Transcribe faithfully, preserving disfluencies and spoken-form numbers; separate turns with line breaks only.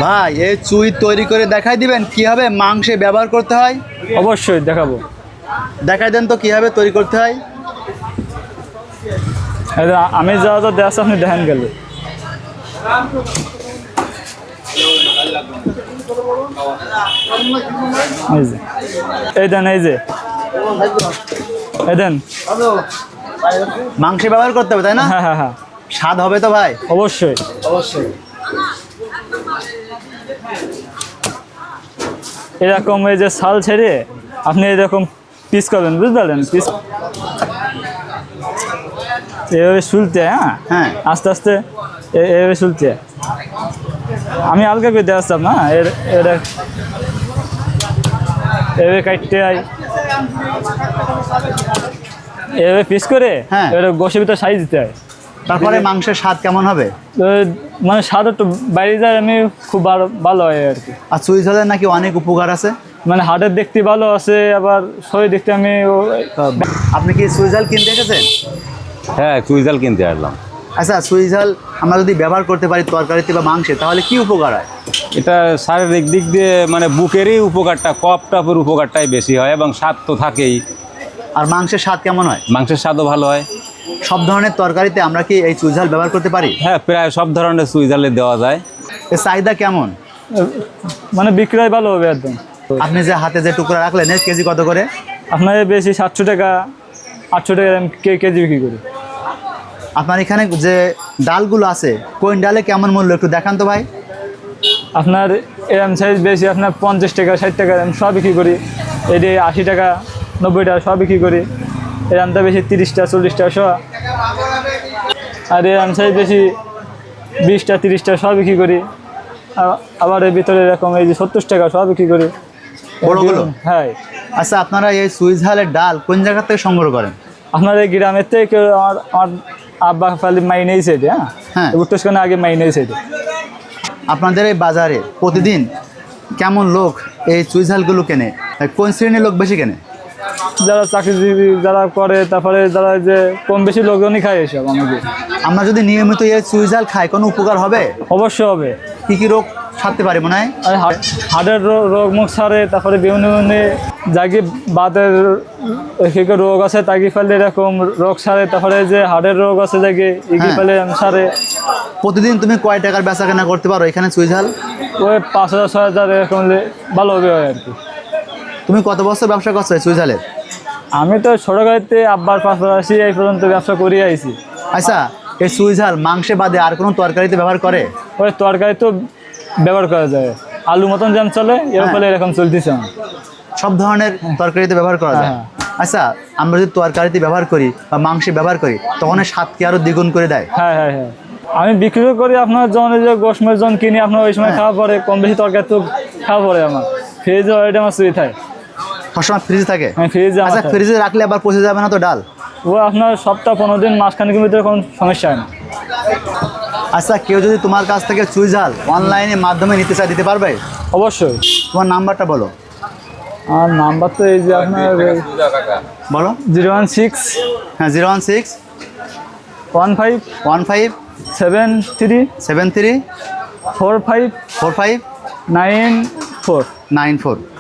ভাই এই চুই তৈরি করে দেখাই দিবেন কিভাবে মাংসে ব্যবহার করতে হয়?
অবশ্যই দেখাবো।
দেখাই দেন তো কিভাবে তৈরি করতে হয়।
এই যে আমি যা যা দেশ আপনি দেখেন গেলে এই যে এই দেন এই যে এই দেন
মাংসে ব্যবহার করতে হবে তাই না?
হ্যাঁ হ্যাঁ হ্যাঁ
স্বাদ হবে তো ভাই?
অবশ্যই
অবশ্যই।
এরকম এই যে ছাল ছেড়ে আপনি এরকম পিস করবেন, বুঝতে পারলেন? পিস এভাবে শুলতে, হ্যাঁ
হ্যাঁ
আস্তে আস্তে এ- এভাবে শুলতে। আমি হালকা করে দিয়ে আসতাম না, এর এটা এভাবে কাটতে হয়, এভাবে পিস করে
হ্যাঁ।
এবার গোশের ভিতরে সাইজ দিতে হয়।
তারপরে মাংসের স্বাদ কেমন হবে?
তো মানে স্বাদ একটু বাইরে যায়, আমি খুব ভালো ভালো হয় আর কি।
আর চুই ঝালের নাকি অনেক উপকার আছে।
মানে হাটের দেখতে ভালো আছে, আবার শরীর দেখতে আমি ও-
আপনি কি চুই ঝাল কিনতে এসেছেন?
হ্যাঁ চুই জাল কিনতে আসলাম।
আচ্ছা, চুই ঝাল আমরা যদি ব্যবহার করতে পারি তরকারিতে বা মাংসে তাহলে কি উপকার হয়?
এটা শারীরিক দিক দিয়ে মানে বুকেরই উপকারটা, কপ টপের উপকারটাই বেশি হয় এবং স্বাদ তো থাকেই।
আর মাংসের স্বাদ কেমন হয়?
মাংসের স্বাদও ভালো হয়।
সব ধরনের তরকারিতে আমরা কি এই চুই ঝাল ব্যবহার করতে পারি?
হ্যাঁ প্রায় সব ধরনের চুই জালে দেওয়া যায়।
এর চাহিদা কেমন?
মানে বিক্রয় ভালো হবে একদম।
আপনি যে হাতে যে টুকরা রাখলেন এর কেজি কত করে?
আপনার বেশি সাতশো টাকা আটশো টাকা আমি কে কেজি বিক্রি করি।
আপনার এখানে যে ডালগুলো আছে কোন ডালে কেমন মূল্য একটু দেখান তো ভাই।
আপনার এরম সাইজ বেশি আপনার পঞ্চাশ টাকা ষাট টাকা আমি সব বিক্রি করি। এটি আশি টাকা নব্বই টাকা সব বিক্রি করি। এরমটা বেশি তিরিশটা চল্লিশটা সব। আর এরম সাইজ বেশি বিশটা তিরিশটা সব বিক্রি করি। আ- আবার এর ভিতরে এরকম এই যে সত্তর টাকা সব বিক্রি করি।
বড়গুলো?
হ্যাঁ।
আচ্ছা, আপনারা এই চুই ঝালের ডাল কোন জায়গা থেকে সংগ্রহ করেন?
আপনার এই গ্রামের থেকে কেউ আমার আমার আব্বা ফালি মাই নিয়েছে এটি, হ্যাঁ
হ্যাঁ।
উত্তরখানে আগে মাই নিয়েছে এটি।
আপনাদের এই বাজারে প্রতিদিন কেমন লোক এই চুই ঝালগুলো কেনে? কোন শ্রেণীর লোক বেশি কেনে?
যারা চাকরিজীবী যারা করে, তারপরে যারা যে কম বেশি লোকজনই খায় এসব আমাকে।
আমরা যদি নিয়মিত এই চুই ঝাল খাই কোনো উপকার হবে?
অবশ্যই হবে।
কি কি রোগ সারতে পারি মনে হয়?
আর হা- হার্টের রো- রোগ মুখ সারে, তারপরে বিভিন্ন বিভিন্ন যাকে বাতের একে রোগ আছে তাকে ফেলে এরকম রোগ সারে, তারপরে যে হার্টের রোগ আছে যাকে এগিয়ে
হ্যাঁ।
ফেলে সারে।
প্রতিদিন তুমি কয় টাকার বেচা কেনা করতে পারো এখানে চুই ঝাল?
ওই পাঁচ হাজার ছয় হাজার এরকম হলে ভালো হবে হয় আর কি।
তুমি কত বছর ব্যবসা করছো এই চুই ঝালের?
আমি তো ছোটোকালিতে আব্বার পাঁচ আসি এই পর্যন্ত ব্যবসা করে আইছি।
আচ্ছা, এই চুই ঝাল মাংসে বাদে আর কোনো তরকারিতে ব্যবহার করে?
ওই তরকারি তো ব্যবহার করা যায়, আলু মতন যেমন চলে এর
হ্যাঁ।
ফলে এরকম চলতেছে আমার।
সব ধরনের তরকারিতে ব্যবহার করা যায়?
হ্যাঁ।
আচ্ছা, আমরা যদি তরকারিতে ব্যবহার করি বা মাংসে ব্যবহার করি তখন এর স্বাদ কি আরো দ্বিগুণ করে দেয়?
হ্যাঁ হ্যাঁ হ্যাঁ আমি বিক্রি করি আপনার যখন এই যে গোশমের জন কিনি আপনার ওই সময়
হ্যাঁ।
খাওয়া পরে কম বেশি তরকারি তো খাওয়া পরে আমার ফ্রিজে ওইটা আমার সুই থাকে।
সবসময় ফ্রিজে থাকে?
হ্যাঁ ফ্রিজে আমার
আচ্ছা,
থাকে।
ফ্রিজে রাখলে আবার পচে যাবে না তো ডাল?
ও আপনার সপ্তাহ পনেরো দিন মাসখানেকের ভিতরে কোনো সমস্যা হয় না।
আচ্ছা, কেউ যদি তোমার কাছ থেকে চুই ঝাল অনলাইনে মাধ্যমে নিতে চায় দিতে পারবে?
অবশ্যই।
তোমার নাম্বারটা বলো।
আর নাম্বার তো এই যে আপনার
বলো।
জিরো ওয়ান সিক্স
হ্যাঁ, zero one six
one five
one five
seven three
seven three
four five
four five
nine four.
Nine four